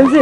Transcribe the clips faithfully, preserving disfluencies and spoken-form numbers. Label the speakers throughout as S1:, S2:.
S1: Remzi.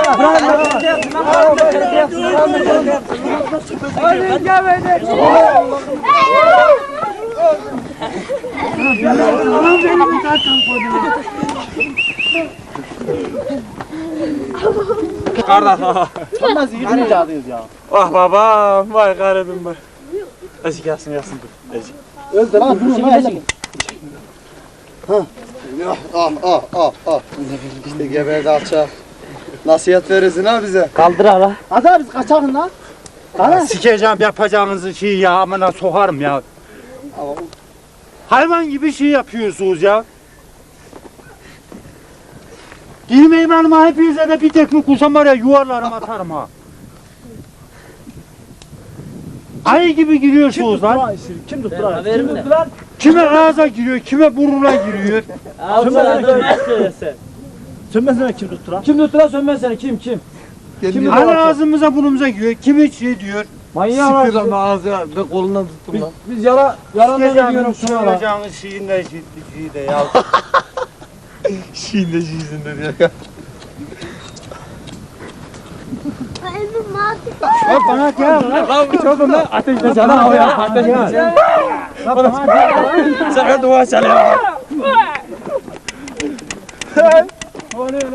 S2: Kardeş.
S3: Nasıl yıkayacağız ya?
S2: Ah babam, vay garibim vay. Ezik gelsin gelsin dur. Ezik.
S3: Öldür lan dur lan. Ha. Ah ah ah ah. İşte geberdi alçak. Nasihat verirsin ha bize.
S1: Kaldır hala.
S3: Hadi abi biz kaçalım lan.
S4: Ya sikeceğim yapacağınızı şey ya amına sokarım ya. Hayvan gibi şey yapıyorsunuz ya. Girmeyin hanıma hepinize de bir tekme kursam var ya yuvarlarım atarım ha. Ayı gibi giriyorsunuz lan.
S3: Kim tuttu lan?
S1: Kim tuttu lan?
S4: Kime ağza giriyor, kime burnuna giriyor.
S1: Al sana dönmez söylesen.
S3: Sönmesene kim tuttu lan?
S1: Kim tuttu lan sönmez seni kim kim?
S3: Kim
S4: Hani ağzımıza burnumuza giriyor, kimi şey diyor.
S1: Manyak
S3: Siktir
S1: lan.
S3: lan ağzına ben kolundan tuttum lan.
S1: Biz yala yalandan
S4: Sikeceğim
S1: ediyorum şuna lan.
S4: söyleyeceğiniz şeyin de şeyin de ya.
S3: Şiinde şiizinde diye.
S4: Bak bana gel lan.
S1: Çocuğum lan ateşle sana o ya ateşle.
S2: Sakın dua çalıyor.